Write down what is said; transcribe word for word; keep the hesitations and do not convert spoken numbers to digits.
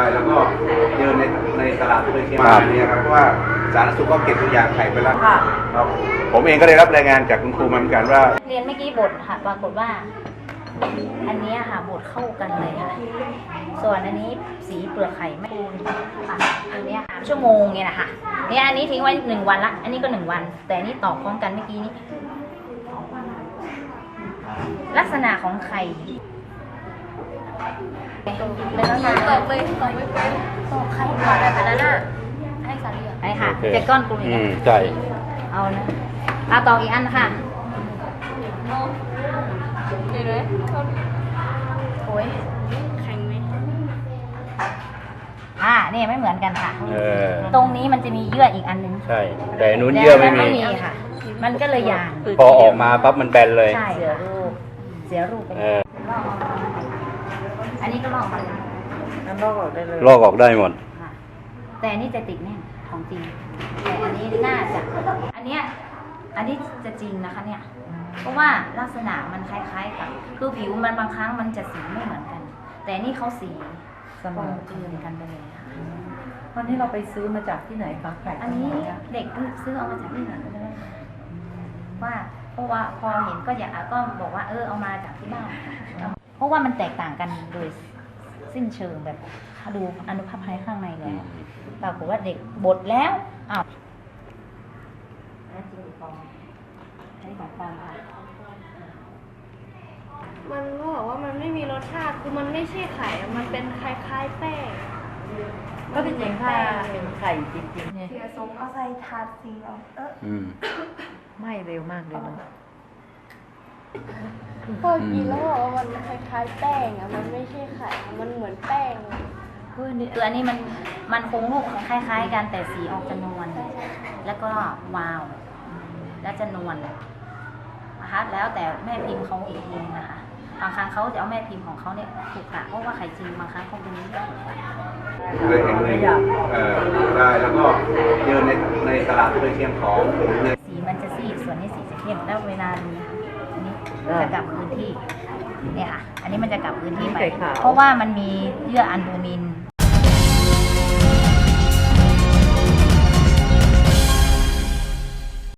แล้วก็เดินในในตลาดโดยเชียงใหม่เนี่ยครับเพราะว่าสาธารณสุขก็เก็บตัวอย่างไข่ไปแล้วครับผมเองก็ได้รับรายงานจากคุณครูมาเหมือนกันว่าเรียนเมื่อกี้บทค่ะปรากฏว่า อันนี้ค่ะบทเข้ากันเลยค่ะส่วนอันนี้สีเปลือกไข่ไม่คูณค่ะอันนี้ค่ะชั่วโมงเนี่ยนะคะเนี่ยอันนี้ทิ้งไว้หนึ่งวันละอันนี้ก็หนึ่งวัน แต่อันนี้ตอกพร้อมกันเมื่อกี้นี้ลักษณะของไข่เป็นลักษณะตอกเลยตอกไม่เป็นตอกไข่ก่อนอะไรไปแล้วน่ะให้สาลีไอ้ค่ะเจ็ดก้อนกลุ่มนี้ใช่เอานะเอาตอกอีกอันค่ะเห็นไหมโอ้ยแข็งไหมอ่านี่ไม่เหมือนกันค่ะตรงนี้มันจะมีเยื่ออีกอันนึงใช่แต่นู้นเยื่อไม่มีค่ะมันก็เลยยางพอออกมาปั๊บมันแบนเลยใช่เสียรูปเสียรูปไปอันนี้ก็ลอกมาแล้วลอกออกได้เลยลอกออกได้หมดแต่อันนี้จะติดแน่นของจริงแต่อันนี้น่าจะอันเนี้ยอันนี้จะจริงนะคะเนี่ยเพราะว่าลักษณะมันคล้ายๆกับคือผิวมันบางครั้งมันจะสีไม่เหมือนกัน แต่นี่เขาสีเสมอคลืนกันไปเลยค่ะวันนี้เราไปซื้อมาจากที่ไหนคะไก่อันนี้เด็กซื้อเอามาจากที่ไหนก็ได้ว่าเพราะว่าพอเห็นก็อยากก็บอกว่าเออเอามาจากที่บ้านเพราะว่ามันแตกต่างกันโดยสิ้นเชิงแบบดูอนุภาคภายข้างในเลยปรากฏว่าเด็กบดแล้วอ้าวแล้วจริงฟองใช้ของฟองค่ะมันก็บอกว่ามันไม่มีรสชาติคือมันไม่ใช่ไข่มันเป็นคล้ายๆแป้งก็เป็นอย่างถ้าเป็นไข่จริงๆเนี่ยเสียสมเอาใส่ถาดสีเอาเออไม่เร็วมากเลยเนาะพอกินแล้วบอกว่ามันคล้ายๆแป้งอ่ะมันไม่ใช่ไข่มันเหมือนแป้งคืออันนี้มันมันคงรูปคล้ายๆกันแต่สีออกจะนวลแล้วก็วาวและจะนวลนะคะแล้วแต่แม่พิมพ์เขาอีกทีนะคะบางครั้งเขาจะเอาแม่พิมพ์ของเขาเนี่ยถูกกะเพราะว่าไข่จริงบางครั้งเขาเป็นนี้ก็ถูกกะเลยเห็นเลยเอ่อได้แล้วก็เดินในในตลาดโดยเชียงของสีมันจะซีดส่วนนี้สีจะเข้มแล้วเวลาดูอันนี้จะกลับพื้นที่เนี่ยค่ะอันนี้มันจะกลับพื้นที่ไปเพราะว่ามันมีเยื่ออัลบูมิน